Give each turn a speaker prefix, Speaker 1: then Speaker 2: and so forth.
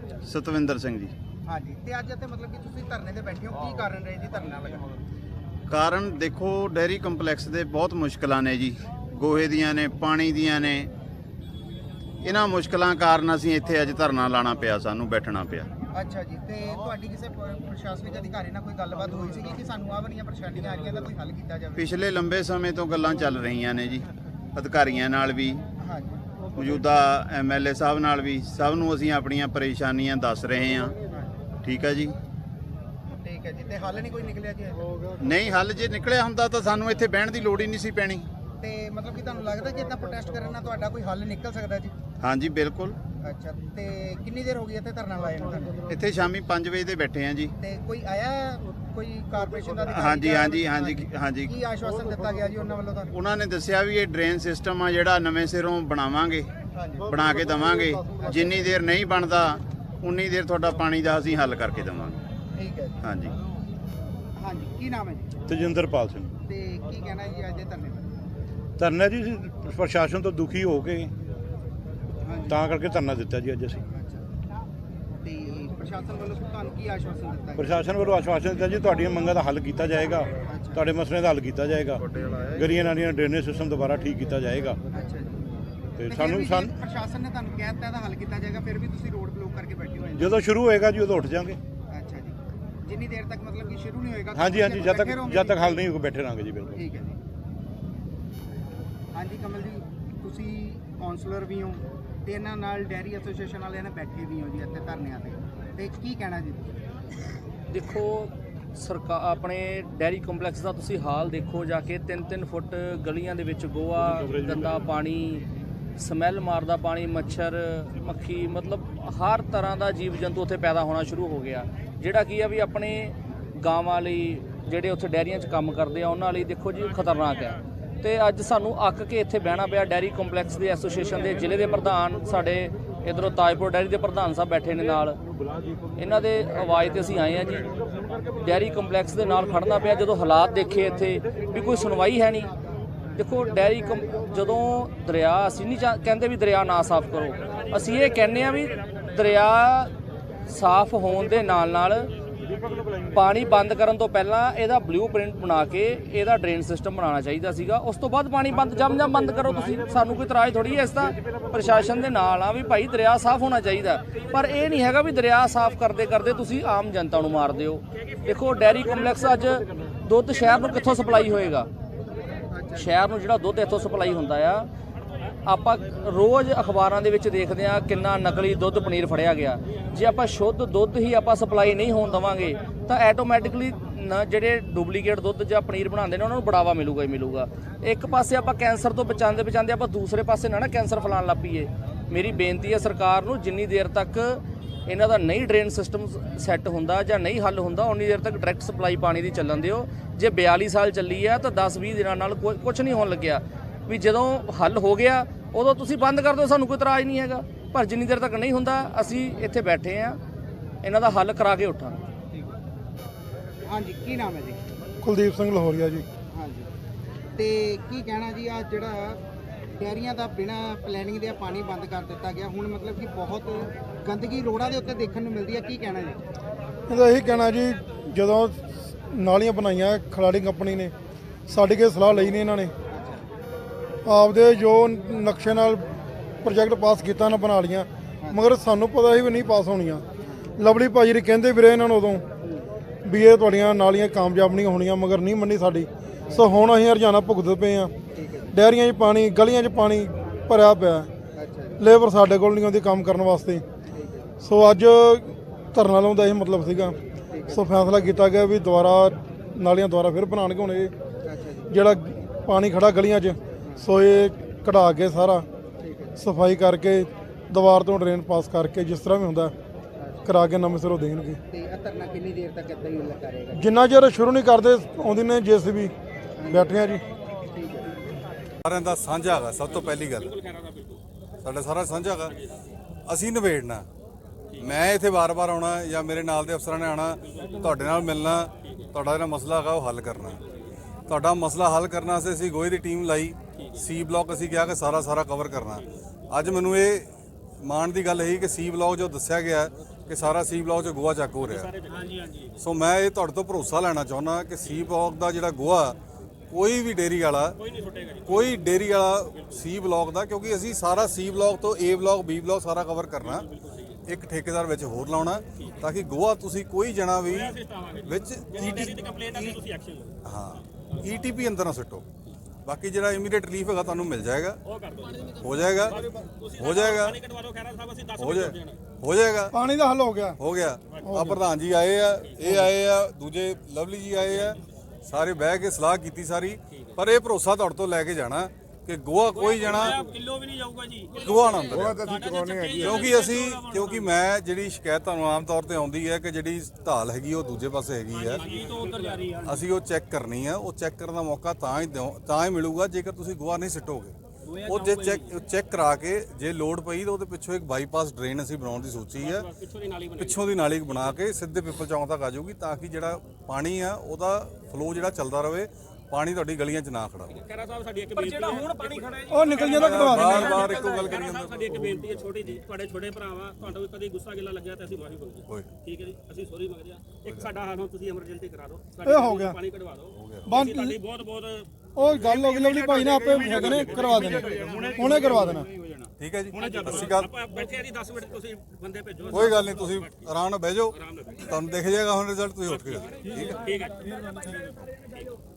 Speaker 1: ਸਤਵਿੰਦਰ ਸਿੰਘ ਜੀ।
Speaker 2: ਹਾਂਜੀ, ਤੇ ਅੱਜ ਇੱਥੇ ਮਤਲਬ ਕਿ ਤੁਸੀਂ ਧਰਨੇ ਤੇ ਬੈਠੇ ਹੋ, ਕੀ ਕਾਰਨ ਰਹੇ ਜੀ ਧਰਨਾ ਲਗਾਉਣ ਦਾ?
Speaker 1: ਕਾਰਨ ਦੇਖੋ, ਡੇਅਰੀ ਕੰਪਲੈਕਸ ਦੇ ਬਹੁਤ ਮੁਸ਼ਕਲਾਂ ਨੇ ਜੀ, ਗੋਹੇ ਦੀਆਂ ਨੇ, ਪਾਣੀ ਦੀਆਂ ਨੇ। ਇਹਨਾਂ ਮੁਸ਼ਕਲਾਂ ਕਾਰਨ ਅਸੀਂ ਇੱਥੇ ਅੱਜ ਧਰਨਾ ਲਾਣਾ ਪਿਆ, ਸਾਨੂੰ ਬੈਠਣਾ ਪਿਆ।
Speaker 2: ਅੱਛਾ ਜੀ, ਤੇ ਤੁਹਾਡੀ ਕਿਸੇ ਪ੍ਰਸ਼ਾਸਨਿਕ ਅਧਿਕਾਰੀ ਨਾਲ ਕੋਈ ਗੱਲਬਾਤ ਹੋਈ ਸੀਗੀ ਕਿ ਸਾਨੂੰ ਆਹ ਵਾਲੀਆਂ ਪਰੇਸ਼ਾਨੀਆਂ ਆ ਰਹੀਆਂ, ਦਾ ਕੋਈ ਹੱਲ ਕੀਤਾ ਜਾਵੇ?
Speaker 1: ਪਿਛਲੇ ਲੰਬੇ ਸਮੇਂ ਤੋਂ ਗੱਲਾਂ ਚੱਲ ਰਹੀਆਂ ਨੇ ਜੀ, ਅਧਿਕਾਰੀਆਂ ਨਾਲ ਵੀ,
Speaker 2: ਹਾਂਜੀ
Speaker 1: ਮੌਜੂਦਾ MLA ਸਾਹਿਬ ਨਾਲ ਵੀ। ਸਭ ਨੂੰ ਅਸੀਂ ਆਪਣੀਆਂ ਪਰੇਸ਼ਾਨੀਆਂ ਦੱਸ ਰਹੇ ਹਾਂ। ਠੀਕ ਹੈ ਜੀ।
Speaker 2: ਠੀਕ ਹੈ ਜੀ, ਤੇ ਹੱਲ ਨਹੀਂ ਕੋਈ ਨਿਕਲਿਆ ਜੀ?
Speaker 1: ਨਹੀਂ, ਹੱਲ ਜੇ ਨਿਕਲਿਆ ਹੁੰਦਾ ਤਾਂ ਸਾਨੂੰ ਇੱਥੇ ਬਹਿਣ ਦੀ ਲੋੜ ਹੀ ਨਹੀਂ ਸੀ ਪੈਣੀ।
Speaker 2: ਤੇ ਮਤਲਬ ਕਿ ਤੁਹਾਨੂੰ ਲੱਗਦਾ ਕਿ ਇਦਾਂ ਪ੍ਰੋਟੈਸਟ ਕਰਨ ਨਾਲ ਤੁਹਾਡਾ ਕੋਈ ਹੱਲ ਨਿਕਲ ਸਕਦਾ ਜੀ?
Speaker 1: ਹਾਂਜੀ, ਬਿਲਕੁਲ।
Speaker 2: ਅੱਛਾ, ਤੇ ਕਿੰਨੀ ਦੇਰ ਹੋ ਗਈ ਇੱਥੇ ਧਰਨਾ ਲਾਇਆ ਨੂੰ ਤੁਹਾਨੂੰ?
Speaker 1: ਇੱਥੇ ਸ਼ਾਮੀ 5 ਵਜੇ ਦੇ ਬੈਠੇ ਹਾਂ ਜੀ।
Speaker 2: ਤੇ ਕੋਈ ਆਇਆ, ਕੋਈ ਕਾਰਪੋਰੇਸ਼ਨ ਦਾ ਅਧਿਕਾਰੀ?
Speaker 1: ਹਾਂਜੀ।
Speaker 2: ਕੀ ਆਸ਼ਵਾਸਨ ਦਿੱਤਾ ਗਿਆ ਜੀ ਉਹਨਾਂ ਵੱਲੋਂ ਤੁਹਾਨੂੰ?
Speaker 1: ਉਹਨਾਂ ਨੇ ਦੱਸਿਆ ਵੀ ਇਹ ਡਰੇਨ ਸਿਸਟਮ ਆ ਜਿਹੜਾ ਨਵੇਂ ਸਿਰੋਂ ਬਣਾਵਾਂਗੇ, ਬਣਾ ਕੇ ਦੇਵਾਂਗੇ। ਜਿੰਨੀ ਦੇਰ ਨਹੀਂ ਬਣਦਾ ਉਨੀ ਦੇਰ ਤੁਹਾਡਾ ਪਾਣੀ ਦਾ ਅਸੀਂ ਹੱਲ ਕਰਕੇ ਦੇਵਾਂਗੇ।
Speaker 2: ਠੀਕ ਹੈ ਜੀ।
Speaker 1: ਹਾਂਜੀ।
Speaker 2: ਹਾਂਜੀ, ਕੀ ਨਾਮ ਹੈ ਜੀ?
Speaker 3: ਤੇਜਿੰਦਰਪਾਲ ਸਿੰਘ।
Speaker 2: ਤੇ ਕੀ ਕਹਿਣਾ ਜੀ ਅੱਜ ਦੇ ਧਰਨੇ ਬਾਰੇ?
Speaker 3: ਧਰਨਾ ਜੀ ਪ੍ਰਸ਼ਾਸਨ ਤੋਂ ਦੁਖੀ ਹੋ ਕੇ ਤਾਂ ਕਰਕੇ ਧਰਨਾ ਦਿੱਤਾ ਜੀ ਅੱਜ ਅਸੀਂ।
Speaker 2: ਤੇ ਪ੍ਰਸ਼ਾਸਨ ਵੱਲੋਂ ਤੁਹਾਨੂੰ ਕੀ ਆਸ਼ਵਾਸਨ ਦਿੱਤਾ ਗਿਆ?
Speaker 3: ਪ੍ਰਸ਼ਾਸਨ ਵੱਲੋਂ ਆਸ਼ਵਾਸਨ ਦਿੱਤਾ ਜੀ ਤੁਹਾਡੀਆਂ ਮੰਗਾਂ ਦਾ ਹੱਲ ਕੀਤਾ ਜਾਏਗਾ, ਤੁਹਾਡੇ ਮਸਲਿਆਂ ਦਾ ਹੱਲ ਕੀਤਾ ਜਾਏਗਾ, ਗਲੀਆਂ ਨਾਲੀਆਂ ਡਰੇਨੇਜ ਸਿਸਟਮ ਦੁਬਾਰਾ ਠੀਕ ਕੀਤਾ ਜਾਏਗਾ।
Speaker 2: ਅੱਛਾ ਜੀ,
Speaker 3: ਤੇ
Speaker 2: ਤੇ
Speaker 3: ਸਾਨੂੰ
Speaker 2: ਪ੍ਰਸ਼ਾਸਨ ਨੇ ਤੁਹਾਨੂੰ ਕਹਿ ਦਿੱਤਾ ਇਹਦਾ ਹੱਲ ਕੀਤਾ ਜਾਏਗਾ, ਫਿਰ ਵੀ ਤੁਸੀਂ ਰੋਡ ਬਲੌਕ ਕਰਕੇ ਬੈਠੇ ਹੋਏ?
Speaker 3: ਜਦੋਂ ਸ਼ੁਰੂ ਹੋਏਗਾ ਜੀ ਉਦੋਂ ਉੱਠ ਜਾਾਂਗੇ।
Speaker 2: ਅੱਛਾ ਜੀ, ਜਿੰਨੀ ਦੇਰ ਤੱਕ ਮਤਲਬ ਕਿ ਸ਼ੁਰੂ ਨਹੀਂ ਹੋਏਗਾ?
Speaker 3: ਹਾਂਜੀ, ਜਦ ਤੱਕ ਹੱਲ ਨਹੀਂ ਹੋਊਗਾ ਬੈਠੇ ਰਹਾਂਗੇ ਜੀ। ਬਿਲਕੁਲ
Speaker 2: ਠੀਕ ਹੈ ਜੀ। ਹਾਂਜੀ ਕਮਲ ਜੀ, ਤੁਸੀਂ ਕਾਉਂਸਲਰ ਵੀ ਹੋ ਤੇ ਇਹਨਾਂ ਨਾਲ ਡੈਰੀ ਐਸੋਸੀਏਸ਼ਨ ਵਾਲਿਆਂ ਨੇ ਬੈਠੇ ਵੀ ਹੋ ਜੀ ਇੱਥੇ ਧਰਨਿਆਂ ਤੇ ਕੀ ਕਹਿਣਾ ਜੀ?
Speaker 4: ਦੇਖੋ, ਸਰਕਾਰ ਆਪਣੇ ਡੈਰੀ ਕੰਪਲੈਕਸ ਦਾ ਤੁਸੀਂ ਹਾਲ ਦੇਖੋ ਜਾ ਕੇ। 3-3 ਫੁੱਟ ਗਲੀਆਂ ਦੇ ਵਿੱਚ ਗੋਹਾ, ਗੰਦਾ ਪਾਣੀ, ਸਮੈਲ ਮਾਰਦਾ ਪਾਣੀ, ਮੱਛਰ ਮੱਖੀ, ਮਤਲਬ ਹਰ ਤਰ੍ਹਾਂ ਦਾ ਜੀਵ ਜੰਤੂ ਉੱਥੇ ਪੈਦਾ ਹੋਣਾ ਸ਼ੁਰੂ ਹੋ ਗਿਆ, ਜਿਹੜਾ ਕੀ ਆ ਵੀ ਆਪਣੇ ਗਾਵਾਂ ਲਈ, ਜਿਹੜੇ ਉੱਥੇ ਡੈਰੀਆਂ 'ਚ ਕੰਮ ਕਰਦੇ ਆ ਉਹਨਾਂ ਲਈ ਦੇਖੋ ਜੀ ਖਤਰਨਾਕ ਹੈ। ਤੇ ਅੱਜ ਸਾਨੂੰ ਅੱਕ ਕੇ ਇੱਥੇ ਬਹਿਣਾ ਪਿਆ। ਡੈਰੀ ਕੰਪਲੈਕਸ ਦੇ ਐਸੋਸੀਏਸ਼ਨ ਦੇ ਜ਼ਿਲ੍ਹੇ ਦੇ ਪ੍ਰਧਾਨ, ਸਾਡੇ ਇੱਧਰੋਂ ਤਾਜਪੁਰ ਡੈਰੀ ਦੇ ਪ੍ਰਧਾਨ ਸਾਹਿਬ ਬੈਠੇ ਨੇ ਨਾਲ, ਇਹਨਾਂ ਦੇ ਆਵਾਜ਼ ਤੇ ਅਸੀਂ ਆਏ ਆ ਜੀ। ਡੈਰੀ ਕੰਪਲੈਕਸ ਦੇ ਨਾਲ ਖੜਨਾ ਪਿਆ ਜਦੋਂ ਹਾਲਾਤ ਦੇਖੇ ਇੱਥੇ ਵੀ ਕੋਈ ਸੁਣਵਾਈ ਹੈ ਨਹੀਂ। ਦੇਖੋ ਜਦੋਂ ਦਰਿਆ, ਅਸੀਂ ਨਹੀਂ ਕਹਿੰਦੇ ਵੀ ਦਰਿਆ ਨਾ ਸਾਫ਼ ਕਰੋ, ਅਸੀਂ ਇਹ ਕਹਿੰਦੇ ਆ ਵੀ ਦਰਿਆ ਸਾਫ਼ ਹੋਣ ਦੇ ਨਾਲ ਪਾਣੀ ਬੰਦ ਕਰਨ ਤੋਂ ਪਹਿਲਾਂ ਇਹਦਾ ਬਲੂਪ੍ਰਿੰਟ ਬਣਾ ਕੇ ਇਹਦਾ ਡਰੇਨ ਸਿਸਟਮ ਬਣਾਉਣਾ ਚਾਹੀਦਾ ਸੀਗਾ। ਉਸ ਤੋਂ ਬਾਅਦ ਪਾਣੀ ਜਮ ਬੰਦ ਕਰੋ ਤੁਸੀਂ। ਸਾਨੂੰ ਕੋਈ ਇਤਰਾਜ਼ ਥੋੜੀ ਹੈ, ਇਸ ਤਾਂ ਪ੍ਰਸ਼ਾਸਨ ਦੇ ਨਾਲ ਆ ਵੀ ਭਾਈ ਦਰਿਆ ਸਾਫ਼ ਹੋਣਾ ਚਾਹੀਦਾ। ਪਰ ਇਹ ਨਹੀਂ ਹੈਗਾ ਵੀ ਦਰਿਆ ਸਾਫ਼ ਕਰਦੇ ਤੁਸੀਂ ਆਮ ਜਨਤਾ ਨੂੰ ਮਾਰ ਦਿਓ। ਦੇਖੋ, ਡੈਰੀ ਕੰਪਲੈਕਸ ਅੱਜ ਦੁੱਧ ਸ਼ਹਿਰ ਨੂੰ ਕਿੱਥੋਂ ਸਪਲਾਈ ਹੋਏਗਾ? ਸ਼ਹਿਰ ਨੂੰ ਜਿਹੜਾ ਦੁੱਧ ਇੱਥੋਂ ਸਪਲਾਈ ਹੁੰਦਾ ਆ, ਆਪਾਂ ਰੋਜ਼ ਅਖਬਾਰਾਂ ਦੇ ਵਿੱਚ ਦੇਖਦੇ ਆ ਕਿੰਨਾ ਨਕਲੀ ਦੁੱਧ ਪਨੀਰ ਫੜਿਆ ਗਿਆ। ਜੇ ਆਪਾਂ ਸ਼ੁੱਧ ਦੁੱਧ ਹੀ ਆਪਾਂ ਸਪਲਾਈ ਨਹੀਂ ਹੋਣ ਦੇਵਾਂਗੇ ਤਾਂ ਆਟੋਮੈਟਿਕਲੀ ਜਿਹੜੇ ਡੁਪਲੀਕੇਟ ਦੁੱਧ ਜਾਂ ਪਨੀਰ ਬਣਾਉਂਦੇ ਨੇ ਉਹਨਾਂ ਨੂੰ ਬੜਾਵਾ ਮਿਲੂਗਾ ਹੀ ਮਿਲੂਗਾ। ਇੱਕ ਪਾਸੇ ਆਪਾਂ ਕੈਂਸਰ ਤੋਂ ਬਚਾਉਂਦੇ ਆਪਾਂ ਦੂਸਰੇ ਪਾਸੇ ਨਾ ਕੈਂਸਰ ਫੈਲਾਉਣ ਲੱਗ ਪਈਏ। ਮੇਰੀ ਬੇਨਤੀ ਹੈ ਸਰਕਾਰ ਨੂੰ, ਜਿੰਨੀ ਦੇਰ ਤੱਕ ਇਹਨਾਂ ਦਾ ਨਹੀਂ ਡਰੇਨ ਸਿਸਟਮ ਸੈੱਟ ਹੁੰਦਾ ਜਾਂ ਨਹੀਂ ਹੱਲ ਹੁੰਦਾ, ਉਨੀ ਦੇਰ ਤੱਕ ਡਾਇਰੈਕਟ ਸਪਲਾਈ ਪਾਣੀ ਦੀ ਚੱਲਣ ਦਿਓ। ਜੇ 42 ਸਾਲ ਚੱਲੀ ਆ ਤਾਂ 10-20 ਦਿਨਾਂ ਨਾਲ ਕੁਝ ਨਹੀਂ ਹੋਣ ਲੱਗਿਆ। ਵੀ ਜਦੋਂ ਹੱਲ ਹੋ ਗਿਆ ਉਦੋਂ ਤੁਸੀਂ ਬੰਦ ਕਰ ਦਿਓ, ਸਾਨੂੰ ਕੋਈ ਇਤਰਾਜ਼ ਨਹੀਂ ਹੈਗਾ। ਪਰ ਜਿੰਨੀ ਦੇਰ ਤੱਕ ਨਹੀਂ ਹੁੰਦਾ ਅਸੀਂ ਇੱਥੇ ਬੈਠੇ ਆ, ਇਹਨਾਂ ਦਾ ਹੱਲ ਕਰਾ ਕੇ ਉੱਠਾਂਗੇ।
Speaker 2: ਹਾਂਜੀ, ਕੀ ਨਾਮ ਹੈ ਜੀ?
Speaker 5: ਕੁਲਦੀਪ ਸਿੰਘ ਲਾਹੌਰੀਆ ਜੀ।
Speaker 2: ਹਾਂਜੀ, ਤੇ ਕੀ ਕਹਿਣਾ ਜੀ, ਆ ਜਿਹੜਾ ਡੈਰੀਆਂ ਦਾ ਬਿਨਾਂ ਪਲੈਨਿੰਗ ਦੇ ਪਾਣੀ ਬੰਦ ਕਰ ਦਿੱਤਾ ਗਿਆ, ਹੁਣ ਮਤਲਬ ਕਿ ਬਹੁਤ ਗੰਦਗੀ ਰੋਡਾਂ ਦੇ ਉੱਤੇ ਦੇਖਣ ਨੂੰ ਮਿਲਦੀ ਹੈ, ਕੀ ਕਹਿਣਾ ਜੀ?
Speaker 5: ਇਹਦਾ ਇਹੀ ਕਹਿਣਾ ਜੀ, ਜਦੋਂ ਨਾਲੀਆਂ ਬਣਾਈਆਂ ਖਿਲਾੜੀ ਕੰਪਨੀ ਨੇ, ਸਾਡੀ ਕੇ ਸਲਾਹ ਲਈ ਨਹੀਂ ਇਹਨਾਂ ਨੇ, ਆਪਦੇ ਜੋ ਨਕਸ਼ੇ ਨਾਲ ਪ੍ਰੋਜੈਕਟ ਪਾਸ ਕੀਤਾ ਨਾ ਬਣਾ ਲੀਆਂ, ਮਗਰ ਸਾਨੂੰ ਪਤਾ ਸੀ ਵੀ ਨਹੀਂ ਪਾਸ ਹੋਣੀਆਂ। ਲਵਲੀ ਭਾਜੀ ਨੇ ਕਹਿੰਦੇ ਵੀਰੇ ਇਹਨਾਂ ਨੂੰ ਉਦੋਂ ਵੀ ਇਹ ਤੁਹਾਡੀਆਂ ਨਾਲੀਆਂ ਕਾਮਯਾਬ ਨਹੀਂ ਹੋਣੀਆਂ, ਮਗਰ ਨਹੀਂ ਮੰਨੀ ਸਾਡੀ। ਸੋ ਹੁਣ ਅਸੀਂ ਹਰਜਾਨਾ ਭੁਗਤਦੇ ਪਏ ਹਾਂ। ਡੈਰੀਆਂ 'ਚ ਪਾਣੀ, ਗਲੀਆਂ 'ਚ ਪਾਣੀ ਭਰਿਆ ਪਿਆ, ਲੇਬਰ ਸਾਡੇ ਕੋਲ ਨਹੀਂ ਆਉਂਦੀ ਕੰਮ ਕਰਨ ਵਾਸਤੇ। ਸੋ ਅੱਜ ਧਰਨਾ ਲਾਉਣ ਦਾ ਇਹ ਮਤਲਬ ਸੀਗਾ। ਸੋ ਫੈਸਲਾ ਕੀਤਾ ਗਿਆ ਵੀ ਦੁਬਾਰਾ ਨਾਲੀਆਂ ਦੁਬਾਰਾ ਫਿਰ ਬਣਾਉਣਗੇ। ਹੁਣ ਇਹ ਜਿਹੜਾ ਪਾਣੀ ਖੜਾ ਗਲੀਆਂ 'ਚ, ਸੋ ਇਹ ਕਢਾ ਕੇ ਸਾਰਾ ਸਫਾਈ ਕਰਕੇ ਦੀਵਾਰ ਤੋਂ ਡਰੇਨ ਪਾਸ ਕਰਕੇ ਜਿਸ ਤਰ੍ਹਾਂ ਵੀ ਹੁੰਦਾ ਕਰਾ ਕੇ ਨਵੇਂ ਸਿਰੋਂ ਦੇਣਗੇ।
Speaker 2: ਤੇ ਇਹ ਧਰਨਾ ਕਿੰਨੀ ਦੇਰ ਤੱਕ ਇੱਦਾਂ ਹੀ ਲੱਗਾ ਰਹੇਗਾ?
Speaker 5: ਜਿੰਨਾ ਚਿਰ ਸ਼ੁਰੂ ਨਹੀਂ ਕਰਦੇ ਆਉਂਦੀ ਨੇ JCB ਬੈਠੇ ਆ ਜੀ।
Speaker 6: ਸਾਰਿਆਂ ਦਾ ਸਾਂਝਾ ਹੈਗਾ। ਸਭ ਤੋਂ ਪਹਿਲੀ ਗੱਲ ਸਾਡਾ ਸਾਰਾ ਸਾਂਝਾ ਹੈਗਾ, ਅਸੀਂ ਨਿਬੇੜਨਾ। ਮੈਂ ਇੱਥੇ ਵਾਰ-ਵਾਰ ਆਉਣਾ ਜਾਂ ਮੇਰੇ ਨਾਲ ਦੇ ਅਫਸਰਾਂ ਨੇ ਆਉਣਾ, ਤੁਹਾਡੇ ਨਾਲ ਮਿਲਣਾ, ਤੁਹਾਡਾ ਜਿਹੜਾ ਮਸਲਾ ਹੈਗਾ ਉਹ ਹੱਲ ਕਰਨਾ। ਤੁਹਾਡਾ ਮਸਲਾ ਹੱਲ ਕਰਨ ਵਾਸਤੇ ਅਸੀਂ ਗੋਹੇ ਦੀ ਟੀਮ ਲਾਈ, C ਬਲਾਕ ਅਸੀਂ ਕਿਹਾ ਕਿ ਸਾਰਾ ਕਵਰ ਕਰਨਾ। ਅੱਜ ਮੈਨੂੰ ਇਹ ਮਾਣ ਦੀ ਗੱਲ ਇਹੀ ਕਿ ਸੀ ਬਲੌਕ ਜੋ ਦੱਸਿਆ ਗਿਆ ਕਿ ਸਾਰਾ ਸੀ ਬਲੌਕ 'ਚ ਗੋਆ ਚੱਕ ਹੋ ਰਿਹਾ। ਸੋ ਮੈਂ ਇਹ ਤੁਹਾਡੇ ਤੋਂ ਭਰੋਸਾ ਲੈਣਾ ਚਾਹੁੰਦਾ ਕਿ ਸੀ ਬਲੌਕ ਦਾ ਜਿਹੜਾ ਗੋਆ ਕੋਈ ਵੀ ਡੇਅਰੀ ਵਾਲਾ ਕੋਈ ਡੇਅਰੀ ਵਾਲਾ ਸੀ ਬਲੌਕ ਦਾ, ਕਿਉਂਕਿ ਅਸੀਂ ਸਾਰਾ ਸੀ ਬਲੌਕ ਤੋਂ ਏ ਬਲੌਕ ਬੀ ਬਲੌਕ ਸਾਰਾ ਕਵਰ ਕਰਨਾ, ਇੱਕ ਠੇਕੇਦਾਰ ਵਿੱਚ ਹੋਰ ਲਾਉਣਾ ਤਾਂ ਕਿ ਗੋਆ ਤੁਸੀਂ ਕੋਈ ਜਣਾ ਵੀ ਵਿੱਚ ਈਟੀਪੀ ਅੰਦਰ ਨਾ ਸੁੱਟੋ। ਬਾਕੀ ਜਿਹੜਾ ਇਮੀਡੀਏਟ ਰਿਲੀਫ ਹੈਗਾ ਤੁਹਾਨੂੰ ਮਿਲ ਜਾਏਗਾ, ਹੋ ਜਾਏਗਾ ਹੋ ਜਾਏਗਾ ਹੋ ਜਾਏਗਾ।
Speaker 5: ਪਾਣੀ ਦਾ ਹੱਲ ਹੋ ਗਿਆ।
Speaker 6: ਆ ਪ੍ਰਧਾਨ ਜੀ ਆਏ ਆ, ਇਹ ਆਏ ਆ, ਦੂਜੇ ਲਵਲੀ ਜੀ ਆਏ ਆ, ਸਾਰੇ ਬਹਿ ਕੇ ਸਲਾਹ ਕੀਤੀ ਸਾਰੀ, ਪਰ ਇਹ ਭਰੋਸਾ ਤੁਹਾਡੇ ਤੋਂ ਲੈ ਕੇ ਜਾਣਾ ਕਿ ਗੋਆ ਕੋਈ ਜਣਾ
Speaker 7: ਕਿਲੋ ਵੀ ਨਹੀਂ ਜਾਊਗਾ ਜੀ,
Speaker 6: ਗੋਆ ਨਾ ਕਿਉਂਕਿ ਮੈਂ ਜਿਹੜੀ ਸ਼ਿਕਾਇਤ ਤੁਹਾਨੂੰ ਆਮ ਤੌਰ ਤੇ ਆਉਂਦੀ ਹੈ ਕਿ ਜਿਹੜੀ ਢਾਲ ਹੈਗੀ ਉਹ ਦੂਜੇ ਪਾਸੇ ਹੈਗੀ ਆ, ਅਸੀਂ ਉਹ ਚੈੱਕ ਕਰਨੀ ਆ। ਉਹ ਚੈੱਕ ਕਰਨ ਦਾ ਮੌਕਾ ਤਾਂ ਹੀ ਮਿਲੂਗਾ ਜੇਕਰ ਤੁਸੀਂ ਗੋਆ ਨਹੀਂ ਸਿੱਟੋਗੇ। ਉਹ ਜੇ ਚੈੱਕ ਕਰਾ ਕੇ ਜੇ ਲੋਡ ਪਈ ਤਾਂ ਉਹਦੇ ਪਿੱਛੋਂ ਇੱਕ ਬਾਈਪਾਸ ਡਰੇਨ ਅਸੀਂ ਬਣਾਉਣ ਦੀ ਸੋਚੀ ਹੈ, ਪਿੱਛੋਂ ਦੀ ਨਾਲੀ ਬਣਾ ਕੇ ਸਿੱਧੇ ਪਿੱਪਲ ਚੌਂਕ ਤੱਕ ਆ ਜਾਊਗੀ ਤਾਂ ਕਿ ਜਿਹੜਾ ਪਾਣੀ ਆ ਉਹਦਾ ਫਲੋ ਜਿਹੜਾ ਚੱਲਦਾ ਰਹੇ, ਪਾਣੀ ਤੁਹਾਡੀ ਗਲੀਆਂ 'ਚ ਨਾ ਖੜਾ ਹੋਵੇ।
Speaker 7: ਖੈਰਾ ਸਾਹਿਬ ਸਾਡੀ ਇੱਕ ਬੇਨਤੀ ਹੈ, ਹੁਣ ਪਾਣੀ ਖੜਾ ਹੈ ਜੀ,
Speaker 5: ਉਹ ਨਿਕਲ ਜਾਂਦਾ ਕਢਵਾ ਦੇਣਾ।
Speaker 6: ਬਾਰ ਇੱਕੋ ਗੱਲ ਕਰੀ
Speaker 7: ਖੈਰਾ ਸਾਹਿਬ ਸਾਡੀ ਇੱਕ ਬੇਨਤੀ ਹੈ ਛੋਟੀ ਜੀ, ਤੁਹਾਡੇ ਛੋਟੇ ਭਰਾਵਾ, ਤੁਹਾਨੂੰ ਕਦੇ ਗੁੱਸਾ ਗਿਲਾ ਲੱਗਿਆ ਤਾਂ ਅਸੀਂ ਮਾਫੀ ਮੰਗਦੇ
Speaker 6: ਹੋਏ
Speaker 7: ਠੀਕ ਹੈ ਜੀ, ਅਸੀਂ ਸੌਰੀ ਮੰਗਦੇ ਆ। ਇੱਕ ਸਾਡਾ ਹਾਲ ਹੁਣ ਤੁਸੀਂ ਐਮਰਜੈਂਸੀ ਕਰਾ ਦਿਓ,
Speaker 5: ਇਹ ਹੋ ਗਿਆ।
Speaker 7: ਪਾਣੀ ਕਢਵਾ ਦਿਓ,
Speaker 5: ਬੰਦ
Speaker 7: ਤੁਹਾਡੀ ਬਹੁਤ ਬਹੁਤ
Speaker 5: ਉਹ ਗੱਲ ਹੋ ਗਈ ਲਵਲੀ ਭਾਈ ਨੇ ਆਪੇ ਹੈਗੇ ਨੇ ਕਰਵਾ ਦੇਣਾ, ਹੁਣੇ ਕਰਵਾ ਦੇਣਾ।
Speaker 6: ਠੀਕ ਹੈ ਜੀ, ਅਸੀਂ ਗੱਲ
Speaker 7: ਆਪਾਂ ਬੈਠੇ ਆ ਜੀ 10 ਮਿੰਟ, ਤੁਸੀਂ ਬੰਦੇ ਭੇਜੋ।
Speaker 6: ਕੋਈ ਗੱਲ ਨਹੀਂ, ਤੁਸੀਂ ਆਰਾਮ ਨਾਲ ਬਹਿ ਜਾਓ, ਤੁਹਾਨੂੰ ਦਿਖ ਜਾਏਗਾ ਹੁਣ ਰਿਜ਼ਲਟ, ਤੁਸੀਂ ਉੱਠ ਕੇ ਠੀਕ ਹੈ।
Speaker 7: ਠੀਕ ਹੈ।